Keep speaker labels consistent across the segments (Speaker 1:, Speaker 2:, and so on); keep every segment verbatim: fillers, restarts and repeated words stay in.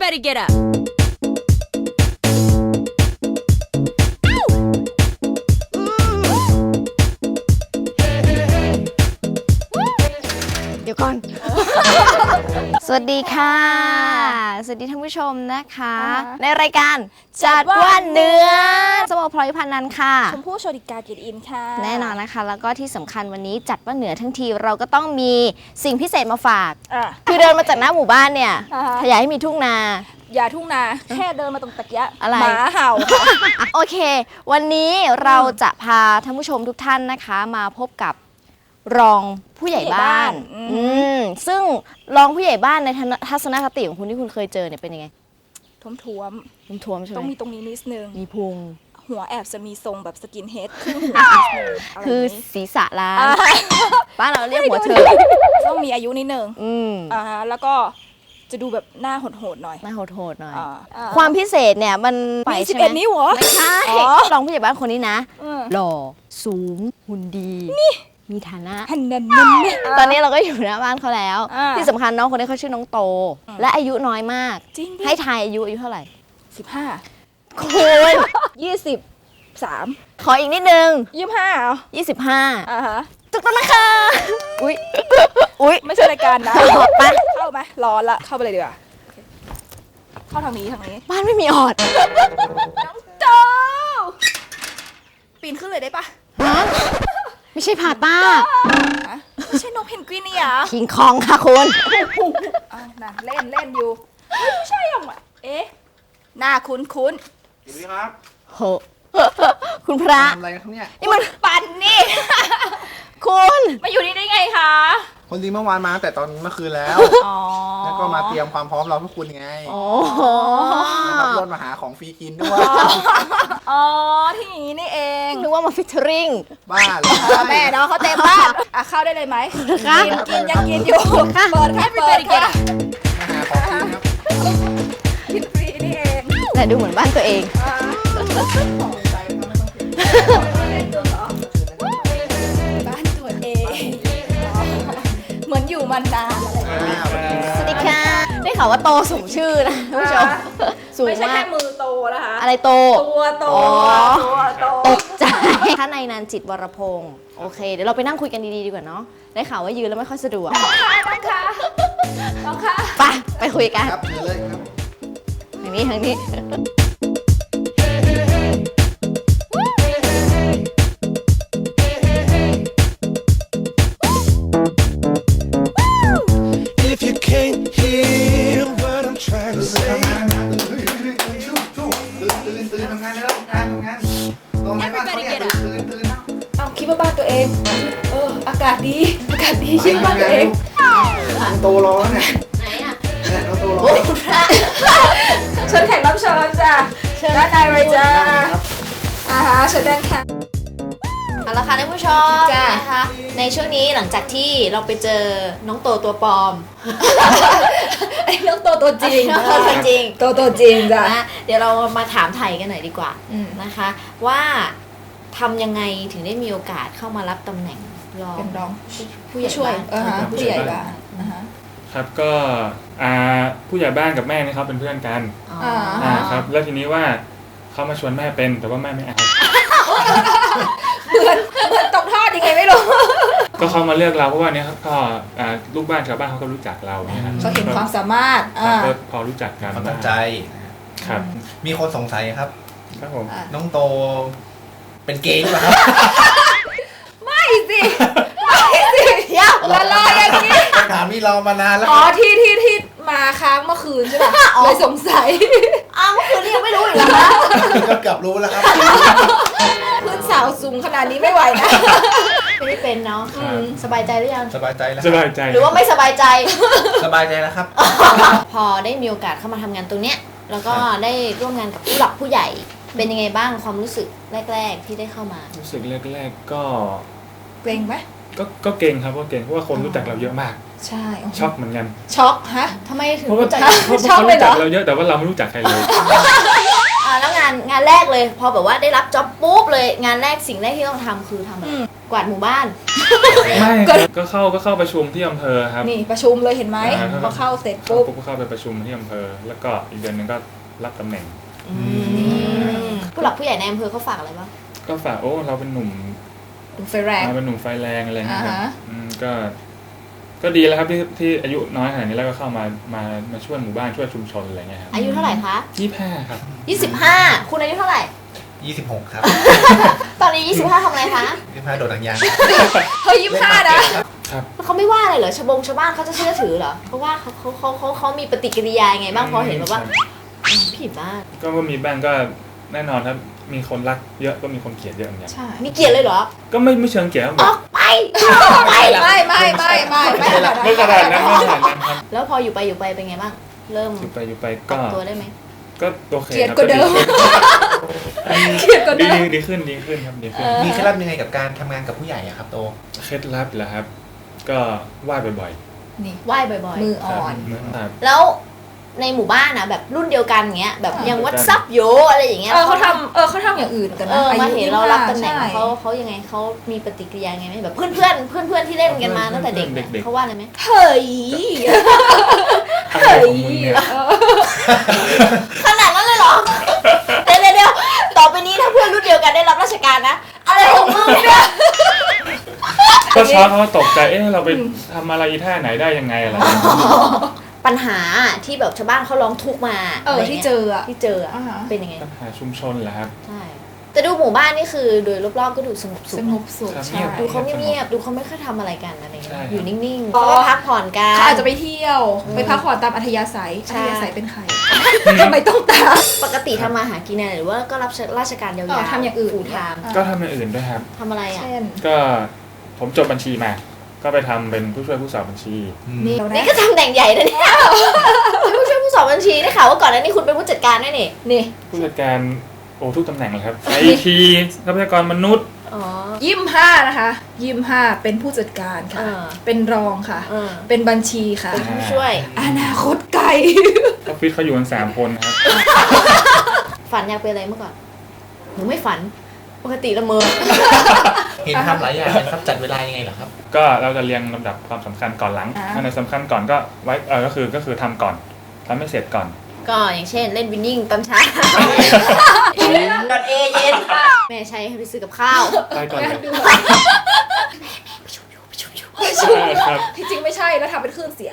Speaker 1: Everybody get up.
Speaker 2: เดี๋ยวก่อน สวัสดีค่ะ สวัสดีท่านผู้ชมนะคะ ในรายการจัดวันเนื้อสมอพลอยพันนันค่ะ
Speaker 3: ชมพู่โชติกาเกียรติอินค่ะ
Speaker 2: แน่นอนนะคะ แล้วก็ที่สำคัญวันนี้จัดว่าเหนือทั้งทีเราก็ต้องมีสิ่งพิเศษมาฝาก
Speaker 3: อ่ะ
Speaker 2: คือเดินมาจากหน้าหมู่บ้านเนี่ย
Speaker 3: อ่าฮะ
Speaker 2: ถ้าอยากให้มีทุ่งนา
Speaker 3: อย่าทุ่งนาแค่เดินมาตรงตะเกียะ
Speaker 2: อะไร
Speaker 3: หมาเห่าค่ะ
Speaker 2: โอเค วันนี้เราจะพาท่านผู้ชมทุกท่านนะคะ มาพบกับรองผู้ใหญ่บ้าน
Speaker 3: อืม
Speaker 2: อืมซึ่งรองผู้ใหญ่บ้านในทัศนคติของคุณที่คุณเคยเจอเนี่ยเป็นยังไง
Speaker 3: ท้วมท้วม
Speaker 2: คุณทวมใช่
Speaker 3: ๆ
Speaker 2: ไห
Speaker 3: ต้อง
Speaker 2: ม
Speaker 3: มีตรงนี้นิดนึง
Speaker 2: มีพุง
Speaker 3: หัวแอบจะมีทรงแบบสกินเฮดครึ่งหัวนิดนึงะไร
Speaker 2: คือ
Speaker 3: แบบนี้
Speaker 2: ศีรษะล้าน
Speaker 3: อ่า
Speaker 2: บ้านเราเรียกหัวเถิก
Speaker 3: ต้องมีอายุนิดนึง
Speaker 2: อืม
Speaker 3: อ่าฮะแล้วก็จะดูแบบหน้าโหดๆหน่อย
Speaker 2: น่าโหดๆหน่อย
Speaker 3: อ่าอ่า
Speaker 2: ความพิเศษเนี่ยมันไป
Speaker 3: มีสิ
Speaker 2: ใช่
Speaker 3: บ
Speaker 2: ไหม
Speaker 3: เอ็ดนิ้วเหรอ
Speaker 2: ไม่ใช่
Speaker 3: อ๋อ
Speaker 2: รองผู้ใหญ่บ้านคนนี้นะ
Speaker 3: อืม
Speaker 2: หล่อสูงหุ่นดีมีฐานะ
Speaker 3: หันนันนันเนี่ย
Speaker 2: ตอนนี้เราก็อยู่หน้าบ้านเขาแล้ว
Speaker 3: อ่า
Speaker 2: ที่สำคัญน้องคนนี้เขาชื่อน้องโต และอายุน้อยมาก
Speaker 3: จริงดิ
Speaker 2: ให้ทายอายุอายุเท่าไหร่
Speaker 3: สิบห้า
Speaker 2: คุณ
Speaker 3: ยี่สิบสาม
Speaker 2: ขออีกนิดนึง
Speaker 3: ยี่สิบห้าเหรอ
Speaker 2: ยี่สิบห้า
Speaker 3: อ่าฮะ
Speaker 2: ถูกต้องนะคะอุ้ยอุ้ย
Speaker 3: ไม่ใช่รายการนะ
Speaker 2: ไป
Speaker 3: เข้าไหมร้อนละเข้าไปเลยดีกว่าโอเคเข้าทางนี้ทางนี้
Speaker 2: บ้านไม่มีออด
Speaker 3: น้องโตปีนขึ้นเลยได้ปะ
Speaker 2: ฮะไม่ใช่ผาต้า
Speaker 3: ฮะไม่ใช่นกเพนกวินนี่หรอ
Speaker 2: คิงคองค่ะคุณ
Speaker 3: อ้าวน่ะเล่นเล่นอยู่เฮ้ยไม่ใช่หรอกว่ะเอ๊ะหน้าคุ้นคุ้น
Speaker 4: สวัสดีครับ
Speaker 2: โห คุณพระ
Speaker 4: ทำอะไรกันครับเนี่ย
Speaker 2: นี่มัน
Speaker 3: ๆปั่นนี่
Speaker 2: คุณ
Speaker 3: มาอยู่นี่ได้ไงคะ
Speaker 4: คนจริงเมื่อวานมาตั้งแต่ตอนเมื่อคืนแล้ว
Speaker 3: อ๋อ
Speaker 4: แล้วก็มาเตรียมความพร้อมเราเพื่อคุณไง
Speaker 2: โอ้โห
Speaker 4: นะครับรถมาหาของฟรีกินด้วย
Speaker 3: อ๋อที่อย่างนี้นี่เอง
Speaker 2: นึกว่ามาฟิชเชอริง
Speaker 4: บ้าเลย
Speaker 3: เออแม่เนาะเขาเต็มบ้านอ่ะเข้าได้เลยไหม
Speaker 2: ค่ะ
Speaker 3: กินกินยังกินอยู่เปิดค่ะเปิดค่ะ
Speaker 4: มาหาของกินครับ
Speaker 3: กินฟรีนี่เอง
Speaker 2: แต่ดูเหมือนบ้านตัวเอง
Speaker 3: อ่า
Speaker 4: ใจก็ไม่ต้องกิน
Speaker 3: เล่นตัวเหรอบ้านตัวเองอ๋อเหมือนอยู่มานานอะไรอย่างเงี้ย
Speaker 2: สวัสดีค่ะ ได้ข่าวว่าโตสมชื่อนะท่านผู้ชม สูง
Speaker 3: ไม่ใช่
Speaker 2: มา
Speaker 3: แค่
Speaker 2: ก
Speaker 3: มือโตนะคะ
Speaker 2: อะไรโต
Speaker 3: ตัวโต
Speaker 2: อ๋อ
Speaker 3: ตัวโต
Speaker 2: ตกใจท่านนายนันจิตวรพงศ์โอเค เดี๋ยวเราไปนั่งคุยกันดีๆดีกว่าเนาะ ได้ข่าวว่ายืนแล้วไม่ค่อยสะดวก
Speaker 3: ค่ะน้องค่ะน้องค่ะ
Speaker 2: ไป ไปคุยกัน
Speaker 4: ครับเดี๋ยวเลยครับ
Speaker 2: ทางนี้ทางนี้
Speaker 5: If you can't hear what I'm trying to
Speaker 4: ทำ
Speaker 5: say,
Speaker 4: งานนะตื่นตื่นตื่นตื่นตื่นตื่นทำงานแล้วทำงานทำงานตรงไหนบ้านเขาเนี่ยตื่นตื่น
Speaker 3: เอาคิดว่าบ้านตัวเอง เออ อากาศดี อากาศดีคิดว่าบ้านตัวเอง
Speaker 4: โตรอแล้วเนี่ย
Speaker 2: ไหนอ่ะ
Speaker 4: เนี่ยเราโตรอ
Speaker 2: โอ้ยคุณพระ
Speaker 3: เชิญแขกรับเชิญจ้ะเชิญด้านในเลยจ้า
Speaker 4: ครับ
Speaker 3: อ่าฮะเชิญด้านค่ะ
Speaker 2: เอาละค่ะท่านผู้ชม
Speaker 3: จ้ะ
Speaker 2: นะคะ ในช่วงนี้หลังจากที่เราไปเจอน้องโตตัวปลอม
Speaker 3: ไอ้เรื่องโตตัวจริง
Speaker 2: น้องโตตัวจริง
Speaker 3: โตตัวจริงจ้ะ
Speaker 2: นะเดี๋ยวเรามาถามไทยกันหน่อยดีกว่า
Speaker 3: อืม
Speaker 2: นะคะ ว่าทำยังไงถึงได้มีโอกาสเข้ามารับตำแหน่งรอง
Speaker 3: เป็นรอง
Speaker 2: ผู้ใหญ่
Speaker 3: ช่วย
Speaker 2: บ้าน
Speaker 3: เออฮะผู้ใหญ่บ้านอ่าฮะ
Speaker 6: ครับก็อ่าผู้ใหญ่บ้านกับแม่นี่เขาเป็นเพื่อนกัน
Speaker 2: อ๋อ
Speaker 3: อ่า
Speaker 6: อ่าครับแล้วทีนี้ว่าเขามาชวนแม่เป็นแต่ว่าแม่ไม่เอา
Speaker 3: เหมือนเหมือนตกทอดยังไงไม่รู้
Speaker 6: ก็เขามาเลือกเราเพราะว่าเนี้ยครับก็อ่าลูกบ้านชาวบ้านเขาก็รู้จักเราเนี่ยครับ
Speaker 3: เขาเห็นความสามารถ
Speaker 6: ค
Speaker 3: อ่า
Speaker 6: รับก็พอรู้จักกัน
Speaker 4: ความตั้งใจ
Speaker 6: ครับ
Speaker 4: มีคนสงสัยครับ
Speaker 6: ครับผม
Speaker 3: อ่ะ
Speaker 4: น้องโตเป็นเกย์หรือเปล่าครับ
Speaker 3: ไม่สิไม่สิเดี๋ยวละลายอย่างนี้
Speaker 4: คำถามนี้เรามานานแล้ว
Speaker 3: อ๋อที่ที่ที่มาค้างเมื่อคืนใช่ป่ะเลยสงสัย
Speaker 2: อ้าวเมื่อคืนนี้ยังไม่รู้อีกเหรอคะ
Speaker 4: ก็เกือบรู้แล้วครับ
Speaker 3: พื้นสาวสูงขนาดนี้ไม่ไหวนะ
Speaker 2: ไม่ได้เป็นเนาะ
Speaker 6: ครับ
Speaker 2: สบายใจหรือยัง
Speaker 4: สบายใจแล้ว
Speaker 6: สบายใจ
Speaker 2: หรือว่าไม่สบายใจ
Speaker 4: สบายใจแล้วครับ
Speaker 2: พอได้มีโอกาสเข้ามาทำงานตรงเนี้ยแล้วก็ได้ร่วมงานกับผู้หลักผู้ใหญ่ เป็นยังไงบ้างความรู้สึกแรก ๆ ที่ได้เข้ามา
Speaker 6: รู้สึกแรกๆก็
Speaker 3: เกรงไหม
Speaker 6: ก็ก็เก่งครับก็เก่งเพราะว่าคนรู้จักเราเยอะมาก
Speaker 3: ใช่
Speaker 6: ช็อกเหมือนกัน
Speaker 3: ช็อกฮะ
Speaker 2: ทำไมถึง
Speaker 6: เพราะว่า
Speaker 2: รู้จัก
Speaker 6: เพราะ
Speaker 3: ช็อก
Speaker 6: เขา
Speaker 3: เลย
Speaker 6: รู้
Speaker 3: เหร
Speaker 6: จั
Speaker 3: อ
Speaker 6: กเราเยอะแต่ว่าเราไม่รู้จักใครเลย
Speaker 2: อ่าแล้วงานงานแรกเลย พอแบบว่าได้รับจ็อบปุ๊บเลยงานแรกสิ่งแรกที่ต้องทำคือทำอะไร
Speaker 3: อืม
Speaker 2: กวาดหมู่บ้าน
Speaker 6: ไม่ครับก็เข้าก็เข้าประชุมที่อำเภอครับ
Speaker 3: นี่ประชุมเลยเห็นไหม
Speaker 6: อ่า
Speaker 3: พอเข้าเสร็จ
Speaker 6: ปุ๊
Speaker 3: ปุ๊
Speaker 6: บบ ก็เข้าไปประชุมที่อำเภอ แล้วก็อีกเดือนหนึงก็รับตำแหน่ง
Speaker 2: ผู้หลักผู้ใหญ่ในอำเภอเขาฝากอะไรบ้าง
Speaker 6: ก็ฝากโอ้เราเป็นหนุ่ม
Speaker 3: ดูไฟแรง
Speaker 6: เราเป็นหนุ่มไฟแรงอะไรเงี้ยครับ
Speaker 3: อ่าฮะ
Speaker 6: อืมก็ก็ดีแล้วครับที่ที่อายุน้อยขนาดนี้แล้วก็เข้ามามามาช่วยหมู่บ้านช่วยชุมชนอะไรเงี้ยครับ
Speaker 2: อายุเท่าไหร่คะ
Speaker 6: ยี่สิบห้าครับ
Speaker 2: ยี่สิบห้าคุณอายุเท่าไหร่
Speaker 4: ยี่สิบหกครับ
Speaker 2: ตอนนี้ยี่สิบห้าทำอะไรคะ
Speaker 4: ยี่สิบห้าโดดหนังยาง
Speaker 3: เฮ้ยยี่สิบห้านะ
Speaker 6: ครับ
Speaker 2: เขาไม่ว่าอะไรเหรอชาวบงชาวบ้านเขาจะเชื่อถือเหรอเพราะว่าเขาเขาเขาเขาเขามีปฏิกิริยายังไงบ้างพอเห็นแบบว่าอืมผิดมาก
Speaker 6: ก็ก็มีบ้างก็แน่นอนครับมีคนรักเยอะก็มีคนเกลียดเยอะเหมือนกัน
Speaker 3: ใช่
Speaker 2: มีเกลียดเลยเหรอ
Speaker 6: ก็ไม่ไม่เชิงเกลียดครับ
Speaker 2: อ
Speaker 6: แบ
Speaker 2: อบ กไปออกไป
Speaker 3: ไม่ไม่ไม่ไม่ไม่
Speaker 6: ไม่ขนาดนั้นไม่ขนาดนั้นครับ
Speaker 2: แล้วพออยู่ไปอยู่ไปเป็นไงบ้างเริ่ม
Speaker 6: อยู่ไปอยู่ไป
Speaker 2: ปรั
Speaker 6: ก็
Speaker 2: บตัวได้ไหม
Speaker 6: ก็โอเค
Speaker 3: เกลียด
Speaker 6: ครับ
Speaker 3: กว่าเดิม
Speaker 6: ดี
Speaker 3: เกลียดกว่า
Speaker 6: ดี
Speaker 3: เดิม
Speaker 6: ดีขึ้นดีขึ้นครับดีขึ้น
Speaker 4: มีเคล็ดลับยังไงกับการทำงานกับผู้ใหญ่อะครับโต
Speaker 6: เคล็ดลับเหรอครับ ก็ไหว้บ่อย
Speaker 3: นี่
Speaker 2: ไหว้บ่อย
Speaker 3: มือ
Speaker 6: ๆ
Speaker 3: อ่อน
Speaker 6: ครับ
Speaker 2: ๆ แล้วในหมู่บ้านนะแบบรุ่นเดียวกันเงี้ยแบบ
Speaker 3: อ่า
Speaker 2: ยังวัดซับโยอะไรอย่างเงี้ย
Speaker 3: เออเขาทำเออเขาทำอย่างอื่นกัน
Speaker 2: เอ
Speaker 3: นะ
Speaker 2: อมา
Speaker 3: ยุ
Speaker 2: เห็นเรารับตำแหน่ง
Speaker 3: ใช่
Speaker 2: เขาเขายังไงเขามีปฏิกิริยาไงไหมแบบเพื่อนเพื่อนเพื่อนเพื่อนๆที่เล่นกันมาตั้งแต่เด็กเนี่ยเขาว่าอะไรไหม
Speaker 3: เฮ้ย
Speaker 6: อะไรของมึงเนี่ย
Speaker 3: เออ
Speaker 2: ขนาดนั้นเลยเหรอ เดี๋ยวเดี๋ยวเดี๋ยวต่อไปนี้ถ้าเพื่อนรุ่นเดียวกันได้รับราชการนะ อะไรของมึงเนี่ย
Speaker 6: ก็เช้าเขาก็ตกใจเอ๊ะเราไปทำอะไรท่าไหนได้ยังไงอะไรอย่างเงี้ย
Speaker 2: ปัญหาที่แบบชาวบ้านเขาร้องทุกข์มา
Speaker 3: เออ
Speaker 2: อะไร
Speaker 3: ที่
Speaker 2: งี้ย
Speaker 3: เจออะ
Speaker 2: ที่เจออะ
Speaker 3: อ่าฮะ
Speaker 2: เป็นยังไง
Speaker 6: ปัญหาชุมชนเหรอครับ
Speaker 2: ใช่ แต่ดูหมู่บ้านนี่คือโดยรอบๆก็ดูสงบสุ
Speaker 3: ส
Speaker 2: ข
Speaker 3: งบสุข
Speaker 6: ครับ
Speaker 3: ใช่
Speaker 2: ดูเขาเงียบๆดูเขาไม่ค่อยทำอะไรกันอะไร
Speaker 6: ใช่
Speaker 2: เงี้ย
Speaker 6: ครับ
Speaker 2: อยู่นิ่งๆ
Speaker 3: อ๋อ
Speaker 2: เขาก็พักผ่อนกัน
Speaker 3: เขาอาจจะไปเที่ยว
Speaker 2: อืม
Speaker 3: ไปพักผ่อนตามอัธยาศัย
Speaker 2: ใช่
Speaker 3: อัธยาศัยเป็นใครทำไมต้องตาม
Speaker 2: ปกติทำมาหากินอะไรหรือว่าก็รับราชการยาว
Speaker 3: อ๋อ
Speaker 2: ๆ
Speaker 3: ทำอย่างอื่น
Speaker 2: ฟูลไทม์
Speaker 6: ก็ทำอย่างอื่นด้วยครับ
Speaker 2: ทำอะไรอ่ะ
Speaker 3: เช่น
Speaker 6: ก็ผมจบบัญชีมา ก็ไปทำเป็นผู้ช่วยผู้สอบบัญชี
Speaker 3: นี่
Speaker 2: นี่ก็ทำแหน่งใหญ่นะเนี่ยผู้ช่วยผู้สอบบัญชีได้ข่าวว่าก่อนหน้านี้คุณเป็นผู้จัดการด้วยนี่นี่
Speaker 6: ผู้จัดการโอ้ทุกตำแหน่งเลยครับไอทีทรัพยากรมนุษย์
Speaker 2: อ๋อ
Speaker 3: ยี่สิบห้านะคะยี่สิบห้าเป็นผู้จัดการค่ะ
Speaker 2: เออ
Speaker 3: เป็นรองค่ะ
Speaker 2: เออ
Speaker 3: เป็นบัญชีค่ะ
Speaker 2: เป็นผู้ช่วย
Speaker 3: อนาคตไกล
Speaker 6: ออฟฟิศเขาอยู่กันสามคนครับ
Speaker 2: ฝันอยากเป็นอะไรเมื่อก่อนหนูไม่ฝัน ปกติละเมอ
Speaker 4: เห็นทำหลายอย่างนะครับจัดเวลายังไงเหรอครับ
Speaker 6: ก็เราจะเรียงลำดับความสำคัญก่อนหลัง
Speaker 3: อ่า
Speaker 6: อันไหนสำคัญก่อนก็ไว้เออก็คือก็คือทำก่อนทำให้เสร็จก่อน
Speaker 2: ก็อย่างเช่นเล่นวินนิ่งตอนเช้าดอทเอเย็นแม่ใช้ให้ไปซื้อกับข้าว
Speaker 6: ไปก่อนเลย
Speaker 3: ดู
Speaker 6: ใช่ครับ
Speaker 3: ที่จริงไม่ใช่แล้วทำเป็นคลื่นเสียง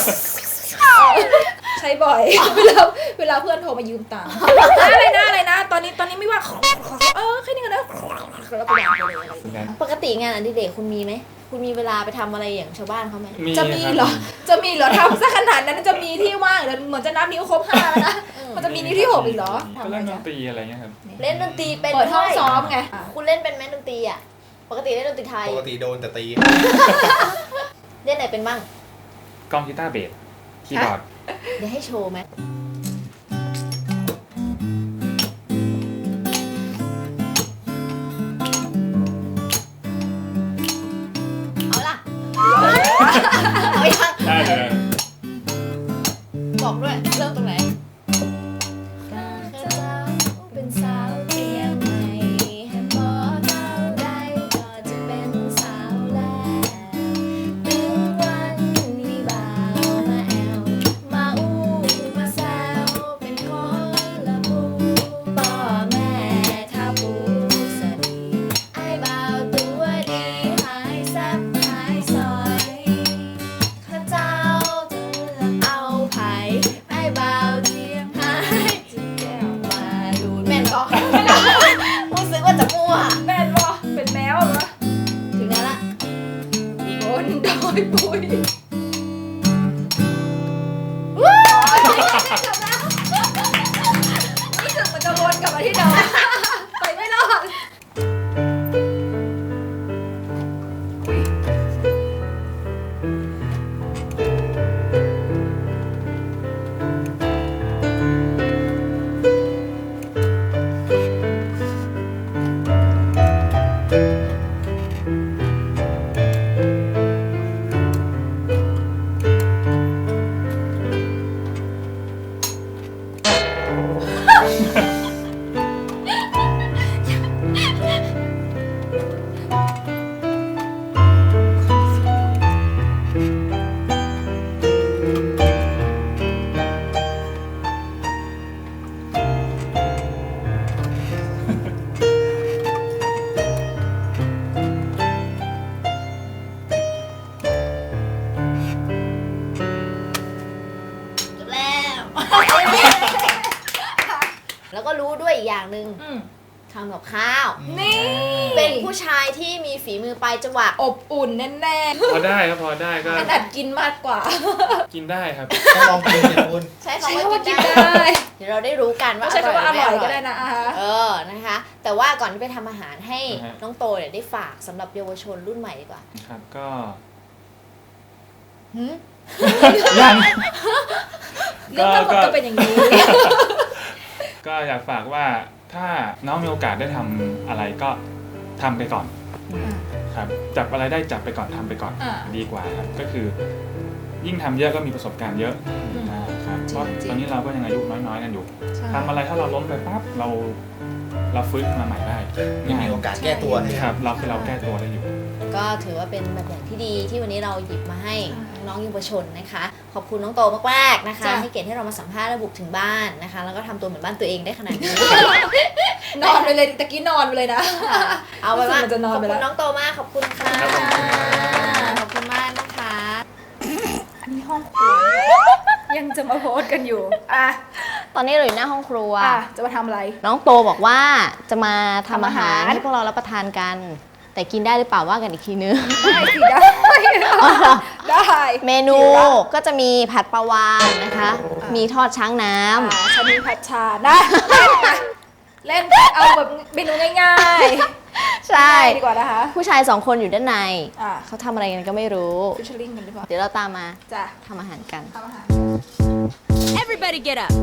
Speaker 3: ใช้บ่อย เวลาเวลาเพื่อนโทรมายืมตังค์อะไรนะอะไรนะ ตอนนี้ตอนนี้ไม่ว่างเออแค่นี้ก็ได้แล้วก็วางไปเลยอะไรอย่างเงี้ย
Speaker 2: ปกติงานอดิเรกคุณมีไหม คุณมีเวลาไปทำอะไรอย่างชาวบ้านเขาไหม
Speaker 3: จะมีเหรอ จะมีเหรอทำซะขนาดนั้นจะมีที่ว่างเหรอเหมือนจะนับนิ้วครบห้าแล้วนะ มันจะมีนิ้วที่หกอีกเหรอ
Speaker 6: ก็
Speaker 3: ทำอะไร
Speaker 6: เล่นด
Speaker 3: เนี่ย
Speaker 6: นตรีอะไรเงี้ยครับ
Speaker 2: เล่นดนตรีเป็น
Speaker 3: เปิดห้อง
Speaker 2: ด้วย
Speaker 3: ซ้อมไง
Speaker 2: คุณเล่นเป็นไหมดนตรีอ่ะ ปกติเล่นดนตรีไทย
Speaker 4: ปกติโดนแต่ตี
Speaker 2: เล่นไหนเป็นบ้าง
Speaker 6: กล้องกีตาร์เบสคีย์บอร์ด
Speaker 2: เดี๋ยวให้โชว์ไหมเอาล่ะ เอายัง
Speaker 6: ได้เลย
Speaker 2: บอกด้วย เริ่มตรงไหนเป็นสาวเตรียมใหม่แฮมบอร์เท่าใดก็จะเป็นสาวแล้วถึงวันมีบ่าวมาแอวมาอู้มาแซวเป็นคนละผู้พ่อแม่ถ้าผู้สดีไอ้บ่าวตัวดีหายแซ่บหายซอยข้าเจ้าจะเอาไผ่ไอ้บ่าวเทียมหายจะแก้วมาดูแม่นก็รู้สึกว่าจะมั่ว
Speaker 3: แม่นวะเป็นแมวเหรอ
Speaker 2: ถึงแล้วละ
Speaker 3: บนดอยปุยรู้สึกมันจะวนกลับมาที่เดิมไปไม่รอด
Speaker 2: อย่างหนึ่ง
Speaker 3: อืม
Speaker 2: ทำกับข้าว
Speaker 3: นี่
Speaker 2: เป็นผู้ชายที่มีฝีมือปลายจวัก
Speaker 3: อบอุ่นแน่ๆ
Speaker 6: พอได้ครับพอได้ก็
Speaker 3: ขนาดกินมากกว่า
Speaker 6: กินได้ครับ
Speaker 4: ต้องลองกินเนี่ยคุณ
Speaker 2: ใช้
Speaker 3: ใช่
Speaker 2: คำว่า
Speaker 3: ว่า
Speaker 2: กิ
Speaker 3: กิ
Speaker 2: น
Speaker 3: น
Speaker 2: ได้
Speaker 3: ได้
Speaker 2: เดี๋ยวเราได้รู้กันว่า
Speaker 3: ใช้คำว่าอ
Speaker 2: ไม่
Speaker 3: ร่อยก็ได้นะอา
Speaker 2: เออนะคะ แต่ว่าก่อนที่ไปทำอาหารให้
Speaker 6: นะฮะ
Speaker 2: น้องโตเนี่ยได้ฝากสำหรับเยาวชนรุ่นใหม่ดีกว่า
Speaker 6: ครับก็
Speaker 2: หืม
Speaker 6: ยัง
Speaker 3: เรื่องทั้งหมดก็เป็นอย่างนี้
Speaker 6: ก็อยากฝากว่าถ้าน้องมีโอกาสได้ทำอะไรก็ทำไปก่อนครับจับอะไรได้จับไปก่อนทำไปก่อน
Speaker 3: อ่า
Speaker 6: ดีกว่าครับก็คือ ยิ่งทำเยอะก็มีประสบการณ์เยอะ
Speaker 3: อืม
Speaker 6: อ่าครับเพราะ
Speaker 3: จริงๆ
Speaker 6: ตอนนี้เราก็ยังอายุน้อยๆกันอยู่
Speaker 3: ใช่
Speaker 6: ทำอะไรถ้าเราล้มไปปั๊บเราเราฟื้นมาใหม่ได้
Speaker 4: ไม่มีโอกาสแก้ตัวนะ
Speaker 6: ค
Speaker 4: ค
Speaker 6: รั
Speaker 4: รั
Speaker 6: บบ เราคือเราแก้ตัวได้อยู่
Speaker 2: ก็ถือว่าเป็นแบบอย่างที่ดีที่วันนี้เราหยิบมาให้น้องๆเยาวชนนะคะ ขอบคุณน้องโตมากๆนะคะ
Speaker 3: จ้ะ
Speaker 2: ให้เกียรติให้เรามาสัมภาษณ์และบุกถึงบ้านนะคะ แล้วก็ทำตัวเหมือนบ้านตัวเองได้ขนาดนี้
Speaker 3: นอนไปเลยตะกี้นอนไปเลยนะ
Speaker 2: เอาไว้ว่า
Speaker 3: รู้สึกมันจะนอน
Speaker 2: ขอบ
Speaker 3: ไป
Speaker 2: คุ
Speaker 3: แล้
Speaker 2: ณ
Speaker 3: ว
Speaker 2: น้องโตมากขอบคุณค่ะ
Speaker 6: ครับผม
Speaker 2: ขอบคุณมากนะคะ
Speaker 3: อันนี้ห้องครัว ยังจะมาโพสต์กันอยู่ อ่ะ
Speaker 2: ตอนนี้เราอยู่หน้าห้องครัว
Speaker 3: อ่ะ จะมาทำอะไร
Speaker 2: น้องโตบอกว่าจะมาทำอาหาร
Speaker 3: ทำอาหาร
Speaker 2: ให้พวกเรารับประทานกัน แต่กินได้หรือเปล่าว่ากันอีกทีนึง
Speaker 3: ได้สิได้ ได้
Speaker 2: เมนู
Speaker 3: หิวละ
Speaker 2: ก็จะมีผัดปลาวานนะคะ มีทอดช้างน้ำ
Speaker 3: อ่าชามีผัดชานะเล่นเอาแบบเมนูง่าย
Speaker 2: ใช่
Speaker 3: ๆดีกว่านะคะ
Speaker 2: ผู้ชายสองคนอยู่ด้านใน
Speaker 3: อ่ะ
Speaker 2: เขาทำอะไรกันก็ไม่รู้
Speaker 3: ฟิชเชอร์ลิงกันดีกว่า
Speaker 2: เดี๋ยวเราตามมา
Speaker 3: จ้ะ
Speaker 2: ทำอาหารกัน
Speaker 3: ทำอาหาร
Speaker 1: Everybody get up.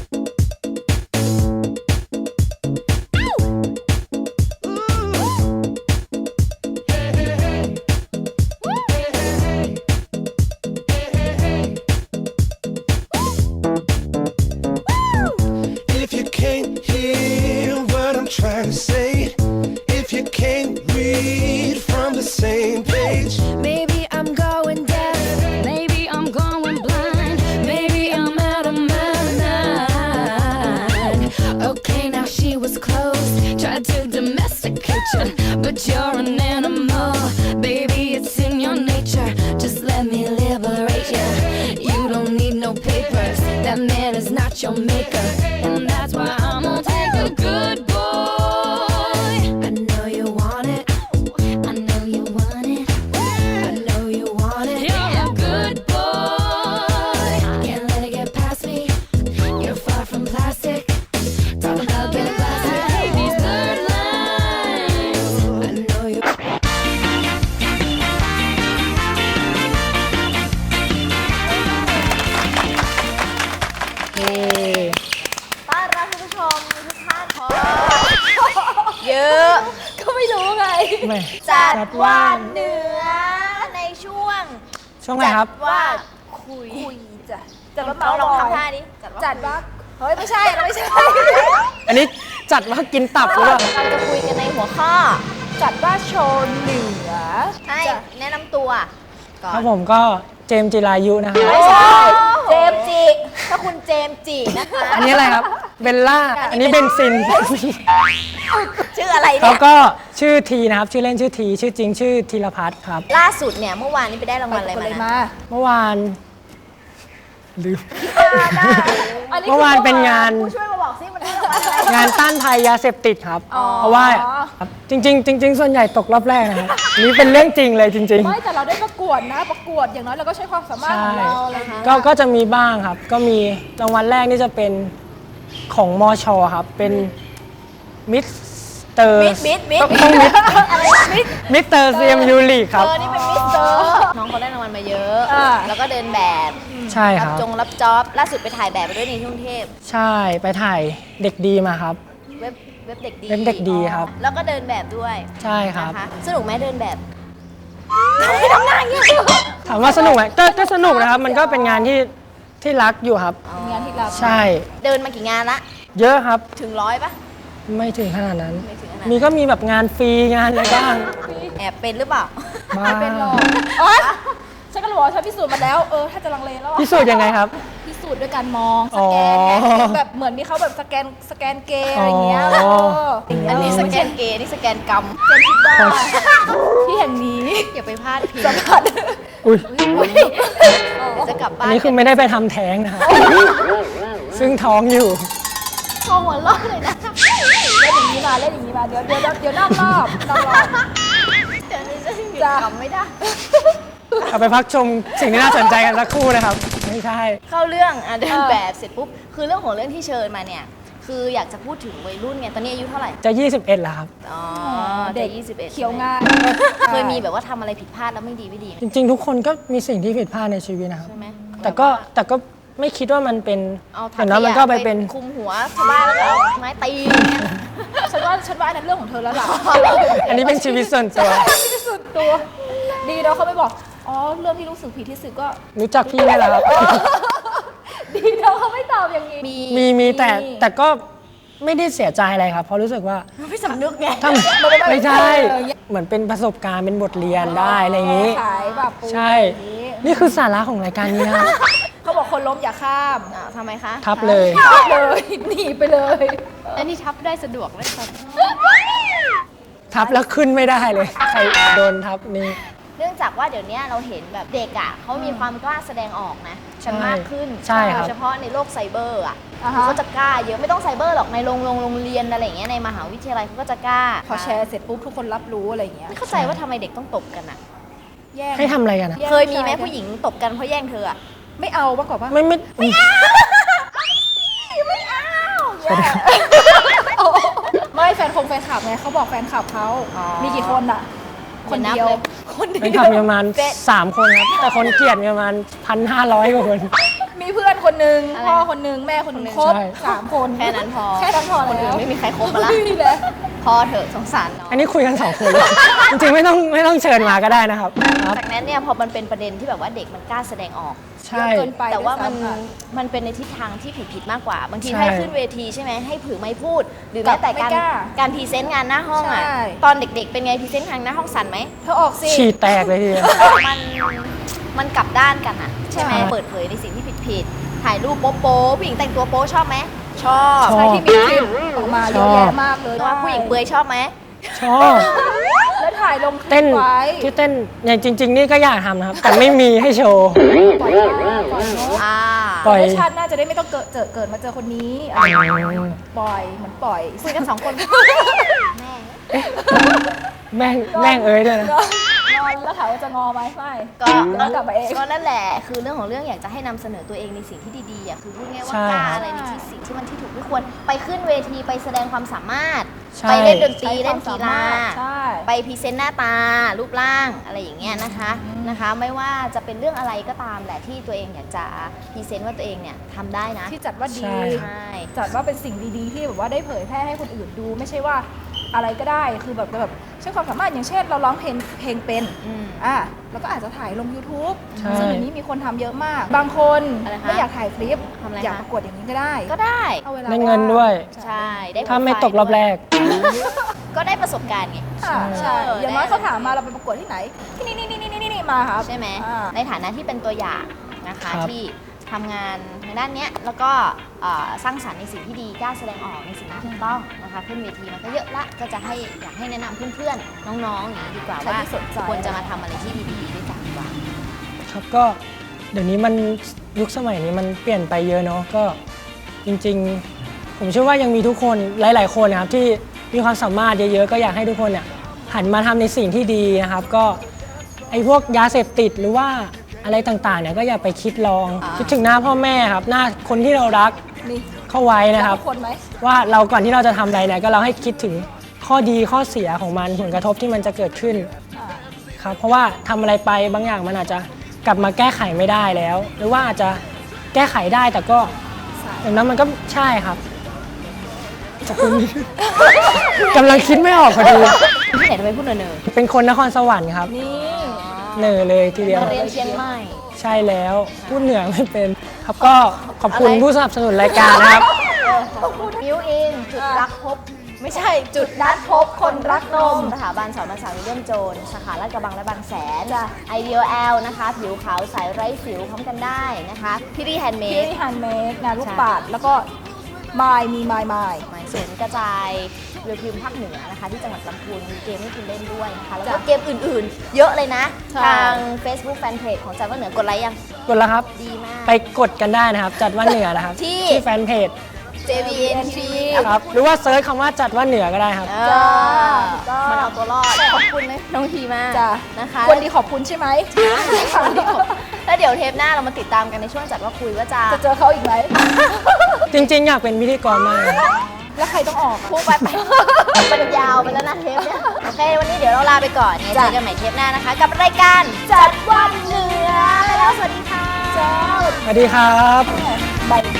Speaker 5: If you can't hear what I'm trying to say, if you can't read from the same page,
Speaker 1: Maybe I'm going deaf. Maybe I'm going blind. Maybe I'm out of my mind. Okay, now she was close. Tried to domesticate you, but you're an animal. Baby, it's in your nature. Just let me liberate you. You don't need no papers. That man is not your maker. And that's why I'm gonna take a good boy. I know you want it. I know you want it. I know you want it. You're a good boy. Can't let it get past me. You're far from plastic. Talk about getting plastic. Hey, these blurred lines. I know you.
Speaker 2: ต้อนรับคุณผู้ชมทุกท่านขอเยอะ
Speaker 3: ก็ไม่รู้ไง
Speaker 2: จัดว่าเหนือในช่วง
Speaker 7: ช่วงไหนครับ
Speaker 2: จัดว่า
Speaker 3: คุยจ้ะจัดว่า
Speaker 2: เรา
Speaker 3: เมา
Speaker 2: ลอง
Speaker 3: มอย
Speaker 2: ทำท่านี้จัดว่า
Speaker 3: จัดว่าเฮ้ยไม่ใช่เราไม่ใช่
Speaker 7: อันนี้จัดว่ากินตับหรือเปล่า
Speaker 2: เราจะคุยกันในหัวข้อ
Speaker 3: จัดว่าโชว์เหนือ
Speaker 2: ให้
Speaker 3: จ้ะ
Speaker 2: แนะนำตัวก่อ
Speaker 7: ครั
Speaker 2: น
Speaker 7: บผมก็เจมส์จิรายุนะครับ
Speaker 2: ไม่ใช่เจมส์จิถ้าคุณเจมส์จินะคะ
Speaker 7: อันนี้อะไรครับ เบลล่า อันนี้เบนซิน
Speaker 2: ชื่ออะไร
Speaker 7: แล้
Speaker 2: เนี่
Speaker 7: วย ก็ชื่อทีนะครับ ชื่อเล่นชื่อที ชื่อจริงชื่อธีรพัฒน์ครับ
Speaker 2: ล่าสุดเนี่ยเมื่อวานนี้ไปได้รางวัลอะไร
Speaker 3: คน
Speaker 2: มา
Speaker 3: เลย
Speaker 2: นะ
Speaker 3: มา
Speaker 7: เมื่อวานลืม
Speaker 3: อันนี้
Speaker 7: เมื่อวานเป็นงาน
Speaker 2: ผู้ช่วยมาบอกซิมันได้รางวัลอะไร
Speaker 7: งานต้านภัยยาเสพติดครับ
Speaker 3: อ๋อ
Speaker 7: เพราะว่าครับจริง ๆ จริง ๆ ส่วนใหญ่ตกรอบแรกนะครับอันนี่เป็นเรื่องจริงเลยจริง
Speaker 3: ไม่แต่เราได้ประกวดนะ ประกวดอย่างน้อยเราก็ใช้ความสามารถของเราอะไรอย่างเงี้ย
Speaker 7: ๆ ก็ก็จะมีบ้างครับ ก็มีรางวัลแรกนี่จะเป็นของมชครับ เป็นมิสเตอร์
Speaker 2: มิดมิดมิด
Speaker 7: ต้องมิด
Speaker 2: อะไรนะมิด
Speaker 7: มิสเตอร์ซีเอ็มยูลีครับ
Speaker 2: เออนี่เป็นมิสเตอร์น้องเขาได้รางวัลมาเยอะ
Speaker 3: อ่า
Speaker 2: แล้วก็เดินแบบ
Speaker 7: ใช่ค
Speaker 2: รับ
Speaker 7: รับ
Speaker 2: จงรับจ็อบล่าสุดไปถ่ายแบบไปด้วยในกรุงเทพ
Speaker 7: ใช่ไปถ่ายเด็กดีมาครับ
Speaker 2: เว็บเว็บเด็กดี
Speaker 7: เว็บเด็กดีครับ
Speaker 2: แล้วก็เดินแบบด้วย
Speaker 7: ใช่ครับ
Speaker 2: นะคะสนุกไหมเดินแบบ
Speaker 7: ถามว่าสนุกไหมก็ก็สนุกนะครับ มันก็เป็นงานที่ที่รักอยู่ครับ
Speaker 3: งานที่เรา
Speaker 7: ใช่
Speaker 2: เดินมากี่งานละ
Speaker 7: เยอะครับ
Speaker 2: ถึงร้อยปะ
Speaker 7: ไม่ถึงขนาดนั้น
Speaker 2: ไม่ถึงขนาดนั้น
Speaker 7: มีก็มีแบบงานฟรีงานอะไรบ้าง
Speaker 2: แอบเป็นหรือเปล่า
Speaker 7: บ้า
Speaker 3: ไม่เป็นหรอกโอ๊ยฉันก็รู้ว่าฉันพิสูจน์มาแล้ว เออ ถ้าจะลังเลแล้วอะ
Speaker 7: พิสูจน์ยังไงครับ
Speaker 3: พิสูจน์ด้วยการมองสแกนไง
Speaker 7: อ๋อ
Speaker 3: แบบเหมือนมีเขาแบบสแกนสแกนเกย์อะไรอย่างเงี้ย
Speaker 7: อ๋อ
Speaker 3: เออ
Speaker 2: อันนี้สแกนเกย์อันนี่สแกนกรรม
Speaker 3: เจนคิดว่าที่แห่งนี้
Speaker 2: อย่าไปพลาดพิง
Speaker 3: สัมผัส
Speaker 7: อุ้ย
Speaker 2: เดี๋ยวจะกลับ
Speaker 7: อั
Speaker 2: บ้าน น
Speaker 7: นี้คือไม่ได้ไปทำแท้งนะครับ ซึ่งท้องอยู่
Speaker 2: พอหัวเร้อนเลยนะ
Speaker 3: มาเล่นอย่างนี้มาเดี๋ยวเดี๋ยวเดี๋ยวนอกรอบนอกรอบ
Speaker 2: เดี๋ยวนี้จะหยุด
Speaker 3: จ้ะ
Speaker 2: ขำไม่ได้
Speaker 7: เอาไปพักชมสิ่งที่น่าสนใจกันสักครู่นะครับ ไม่ใช่
Speaker 2: เข้าเรื่องอ่ะเดิน
Speaker 3: เออ
Speaker 2: แบบเสร็จปุ๊บคือเรื่องของเรื่องที่เชิญมาเนี่ยคืออยากจะพูดถึงวัยรุ่นไงตอนนี้อายุเท่าไหร่
Speaker 7: จะยี่สิบเอ็ดแล้วครับ
Speaker 2: อ๋อ
Speaker 3: เด็ก
Speaker 2: ยี่สิบเอ็ด
Speaker 3: เขียวง่าย
Speaker 2: เคยมีแบบว่าทำอะไรผิดพลาดแล้วไม่ดีไม่ดีไหม
Speaker 7: จริงๆ ทุกคนก็มีสิ่งที่ผิดพลาดในชีวิตนะครับ
Speaker 2: ใช่ไหม
Speaker 7: แต่ก็แต่ก็ไม่คิดว่ามันเป็น
Speaker 2: เอา
Speaker 7: แต่นั้นมันก็ไปเป็น
Speaker 2: คุมหัวชาวบ้านแล้วก็เอาไม้ตีอย่างเงี้ย
Speaker 3: ฉันว่าฉันว่าอันนั้นเรื่องของเธอแล้วล่ะ
Speaker 7: อันนี้เป็นชีวิตส่วนตัว
Speaker 3: ที่สุดตัว ดีเนาะเขาไม่บอก อ๋อ เรื่องที่รู้สึกผิดที่สุดก็
Speaker 7: รู้จักพี่นี่แหละครับ
Speaker 3: ดีเนาะเขาไม่ตอบอย่างนี้
Speaker 2: มี
Speaker 7: มีมีแต่แต่ก็ไม่ได้เสียใจอะไรครับ เพราะรู้สึกว่า
Speaker 2: ไม่สำนึกไง
Speaker 7: ถ้าไม่ใช่ เหมือนเป็นประสบการณ์เป็นบทเรียนได้อะไรอย่างนี้
Speaker 3: ขายแบบปู
Speaker 7: ใช่
Speaker 3: อย่างนี้
Speaker 7: นี่คือสาระของรายการนี้นะครับ
Speaker 3: เขาบอกคนล้มอย่าข้าม
Speaker 2: อ่าทำไมคะ
Speaker 7: ทับเลย
Speaker 3: ทับเลย หนีไปเลย
Speaker 2: แล้วนี่ทับได้สะดวกไหมครับ
Speaker 7: ทับแล้วขึ้นไม่ได้เลย ใครโดนทับนี่
Speaker 2: เนื่องจากว่าเดี๋ยวนี้เราเห็นแบบเด็กอ่ะเขามีความกล้าแสดงออกนะกันมากขึ้น
Speaker 7: ใช่ครับ
Speaker 2: โดยเฉพาะในโลกไซเบอร์อ่ะ
Speaker 3: อ่าฮะ
Speaker 2: เขาจะกล้าเยอะไม่ต้องไซเบอร์หรอกในโรงโรงโรงเรียนอะไรอย่างเงี้ยในมหาวิทยาลัยเขาก็จะกล้า
Speaker 3: พอแชร์เสร็จปุ๊บทุกคนรับรู้อะไรอย่างเงี้ย
Speaker 2: ไม่เข้าใจว่าทำไมเด็กต้องตบกันอ่ะ
Speaker 3: แย่ง
Speaker 7: ให้ทำอะไรกันอะ
Speaker 3: แย่ง
Speaker 2: เคยมีไหม
Speaker 3: กัน
Speaker 2: ผู้หญิงตบกันเพราะแย่งเธออ่ะ
Speaker 3: ไม่เอามากกว่าปะ
Speaker 7: ไม่ไม่
Speaker 3: ไม่เอาไม่แฟนคงแฟนคลับไงเขาบอกแฟนคลับเขา
Speaker 2: อ๋อ
Speaker 3: มีกี่คนอะคนเดียว
Speaker 2: เดี๋ยวนับเลย
Speaker 3: คนเดียว
Speaker 7: เป็นขับมีประมาณสามคนครับ แต่คนเกลียดมีประมาณพันห้าร้อยกว่าคน
Speaker 3: มีเพื่อนคนหนึ่ง
Speaker 2: อะไร
Speaker 3: พ่อคนหนึ่งแม่คนหนึ่งครบ
Speaker 7: ใช่
Speaker 3: สามคน
Speaker 2: แค่นั้นพอ
Speaker 3: แค่นั้นพอ
Speaker 2: คนอื่
Speaker 3: แล้
Speaker 2: น
Speaker 3: ว
Speaker 2: ไม่มีใครคบมาละ
Speaker 3: ไม่มีแล้ว
Speaker 2: พอเถอะสงสารน้อง
Speaker 7: อันนี้คุยกันสองคนเลย จริงๆไม่ต้องไม่ต้องเชิญมาก็ได้นะครับครับ
Speaker 2: จากนั้นเนี่ยพอมันเป็นประเด็นที่แบบว่าเด็กมันกล้าแสดงออก
Speaker 7: ใช่
Speaker 3: เยอะเกินไป
Speaker 2: แต่ว่ามัน
Speaker 3: ด้วยซ้ำค่ะ
Speaker 2: มันเป็นในทิศทางที่ผิดผิดๆมากกว่า บางที
Speaker 7: ใช่
Speaker 2: ให้ขึ้นเวทีใช่ไหมให้ผือไม่พูด หรือ
Speaker 3: กั
Speaker 2: แม้
Speaker 3: บ
Speaker 2: แต่การ
Speaker 3: ไม่กล้า
Speaker 2: การพรีเซนต์งานหน้าห้องอ่ะ
Speaker 3: ใช่
Speaker 2: ตอนเด็กๆ เป็นไงพรีเซนต์งานหน้าห้องสั่นไหม
Speaker 3: เธอออกสิ
Speaker 7: ฉีดแตกเลยทีเดียว
Speaker 2: มันมันกลับด้านกันอ่ะใช่ไหม
Speaker 7: ใช่
Speaker 2: เปิดเผยในสิ่งที่ผิดผิดๆถ่ายรูปโป๊ะโป๊ะผู้หญิงแต่งตัวโป๊ะชอบไหมชอบ
Speaker 7: ชอบ
Speaker 3: ใช่ที่มีคลิปออกมาเยอะแยะมากเลย
Speaker 2: ว่าผู้หญิงเปลือยชอบไหม
Speaker 7: ชอบ
Speaker 3: แล้วถ่ายลงคลิ
Speaker 7: เต้
Speaker 3: ป
Speaker 7: น
Speaker 3: ไว้
Speaker 7: ที่เต้นอย่างจริง ๆ นี่ก็อยากทำนะครับ แต่ไม่มีให้โชว์
Speaker 3: ปล่อยมาปล่อยเนอะ
Speaker 2: อ่า
Speaker 7: ปล่อย
Speaker 3: แล้วชาติหน้าจะได้ไม่ต้องเกิดเจอเกิดมาเจอคนนี้อะไรอย่างเงี้ยปล่อยเหมือนปล่อย
Speaker 2: คุยกันสองคนแม่
Speaker 7: แม่งแม่งเอ้ยด้วยนะ
Speaker 3: งอนแล้วถามว่าจะงอไหมไม่
Speaker 2: ก็
Speaker 3: เดี๋ยวกลับมาเอง
Speaker 2: ก็นั่นแหละคือเรื่องของเรื่องอยากจะให้นำเสนอตัวเองในสิ่งที่ดีๆอ่ะคือพูดง่ายว่า
Speaker 7: ใช่
Speaker 2: กล้าอะไรในที่สิ่งที่มันที่ถูกที่ควรไปขึ้นเวทีไปแสดงความสามารถ
Speaker 7: ใช่
Speaker 2: ไปเล่นดนตรี
Speaker 3: ใช้
Speaker 2: เล่น
Speaker 3: คว
Speaker 2: กี
Speaker 3: ม
Speaker 2: ฬา
Speaker 3: สมรถใช่
Speaker 2: ไปพรีเซนต์หน้าตารูปร่างอะไรอย่างเงี้ยนะคะนะคะ ไม่ว่าจะเป็นเรื่องอะไรก็ตามแหละที่ตัวเองอยากจะพรีเซนต์ว่าตัวเองเนี่ยทำได้นะ
Speaker 3: ที่จัดว่าดี
Speaker 7: ใช่
Speaker 2: ใช่
Speaker 3: จัดว่าเป็นสิ่งดีๆ ที่แบบว่าได้เผยแพร่ให้คนอื่นดู ไม่ใช่ว่าอะไรก็ได้คือแบบแบบใช้ความสามารถอย่างเช่น เราร้องเพลงเพลงเป็น
Speaker 2: อืม
Speaker 3: อ่ะแล้วก็อาจจะถ่ายลง YouTube
Speaker 7: ใช่
Speaker 3: ซึ่งเดี๋ยวนี้มีคนทำเยอะมาก บางคน
Speaker 2: อะไรคะ
Speaker 3: ไม่อยากถ่ายคลิป
Speaker 2: ทำอะไรคะ
Speaker 3: อยากประกวดอย่างนี้ก็ได้
Speaker 2: ก็ได้
Speaker 3: เอาเวลา
Speaker 7: ได้เงินด้วย
Speaker 2: ใช่ได้
Speaker 7: ถ้าไม่ตกรอบแรก
Speaker 2: ก็ได้ประสบการณ์ไง
Speaker 3: อ่ะใช่
Speaker 2: เออ
Speaker 3: อย่างน้อย
Speaker 2: ได้
Speaker 3: เขาถามมาเราไปประกวดที่ไหน ที่นี่นี่นี่นี่นี่นี่มาครับ
Speaker 2: ใช่ไหม
Speaker 3: อ่า
Speaker 2: ในฐานะที่เป็นตัวอย่างนะคะ
Speaker 7: ครับ
Speaker 2: ที่ทำงานทางด้านเนี้ยแล้วก็เอ่อสร้างสรรค์ในสิ่งที่ดีกล้าแสดงออกในสิ่งที่ถูกต้องนะคะขึ้นเวทีมันก็เยอะละก็จะให้อยากให้แนะนำเพื่อนๆน้องๆอย่างนี้ดีกว่า
Speaker 3: ใคร
Speaker 2: ว่า
Speaker 3: ที่สนใจ
Speaker 2: ควรจะมาทำอะไรที่ดีๆด้วยกันดีกว่า
Speaker 7: ครับก็เดี๋ยวนี้มันยุคสมัยนี้มันเปลี่ยนไปเยอะเนาะก็จริงๆ ผมเชื่อว่ายังมีทุกคนหลาย ๆ คนนะครับที่มีความสามารถเยอะๆ ก็อยากให้ทุกคนเนี่ยหันมาทำในสิ่งที่ดีนะครับ ก็ไอ้พวกยาเสพติดหรือว่าอะไรต่างๆเนี่ยก็อย่าไปคิดลอง
Speaker 3: อ่า
Speaker 7: คิดถึงหน้าพ่อแม่ครับหน้าคนที่เรารัก
Speaker 3: นี่
Speaker 7: เข้าไว้นะครับ
Speaker 3: ทุกคนไหม
Speaker 7: ว่าเราก่อนที่เราจะทำอะไรเนี่ยก็เราให้คิดถึงข้อดีข้อเสียของมันผลกระทบที่มันจะเกิดขึ้น
Speaker 3: อ่า
Speaker 7: ครับเพราะว่าทำอะไรไปบางอย่างมันอาจจะกลับมาแก้ไขไม่ได้แล้ว หรือว่าอาจจะแก้ไขได้แต่ก็อย่างนั้นมันก็ใช่ครับขอบคุณ กำลังคิดไม่ออกพอดี
Speaker 2: ที่ไหนทำไมพูดเนอ
Speaker 7: เป็นคนนครสวรรค์ครับ
Speaker 3: นี่
Speaker 7: เหนื่อยเลยทีเดียว
Speaker 2: มาเรียนเชียงใหม่
Speaker 7: ใช่แล้วพูดเหนือไม่เป็นครับก็ขอบคุณ
Speaker 2: อะไร
Speaker 7: ผู้สนับสนุนรายการนะครับ
Speaker 2: มิวอินจุดรักพบ ไม่ใช่จุดนัดพบคนรักนม สถาบันสอนภาษาวิลเลียมโจนส์สาขาลาดกระบังและบางแสน Ideal L นะคะ ผิวขาวใสไร้สิวพร้อมกันได้นะคะพี่รีแฮนด์เม
Speaker 3: พี่
Speaker 2: ด
Speaker 3: ฮันเมดงานลูก
Speaker 2: ใช่
Speaker 3: ปัดแล้วก็มายมีมายมาย
Speaker 2: หมายศูนย์กระจายเรือพิมพ์ภาคเหนือนะคะ ที่จังหวัดลำพูนมีเกมให้คุณเล่นด้วยนะคะ แล้วก็
Speaker 3: จ้ะ
Speaker 2: เกมอื่นๆ เยอะเลยนะ
Speaker 3: ใช่
Speaker 2: ทาง Facebook Fanpage ของจันว่าเหนือกดไลค์ยัง
Speaker 7: กดแล้วครับ
Speaker 2: ดีมาก
Speaker 7: ไปกดกันได้นะครับ จัดว่าเหนือนะครับ
Speaker 2: ที่
Speaker 7: แฟนเพจ
Speaker 2: เจ บี เอ็น ที
Speaker 7: ครับหรือว่าเซิร์ชคำว่าจัดว่าเหนือก็ได้ครับ
Speaker 2: เออมันเอาตัวรอดขอบคุณน้องทีมาก
Speaker 3: จ้ะ
Speaker 2: นะคะ
Speaker 3: คนดีขอบคุณใช่ไหม
Speaker 2: แล้วเดี๋ยวเทปหน้าเรามาติดตามกันในช่วงจัดว่าคุยว่าจะ
Speaker 3: จะเจอเขาอีกไหม
Speaker 7: จริงๆ อยากเป็นพิธีกรมากเลย
Speaker 3: แล้วใครต้องออก
Speaker 2: พูดไปไปมันยาวไปแล้วนะเทปเนี่ยโอเค วันนี้เดี๋ยวเราลาไปก่อนเนี่ยเจอกันใหม่เทปหน้านะคะ กับรายการจัดวันเหนือแล้วสวัสดีค่ะ
Speaker 7: สวัสดีครับ
Speaker 3: บาย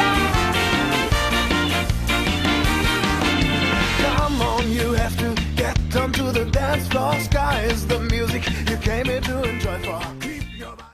Speaker 5: Come on, you have to get onto the dance floor. Sky is the music you came here to enjoy.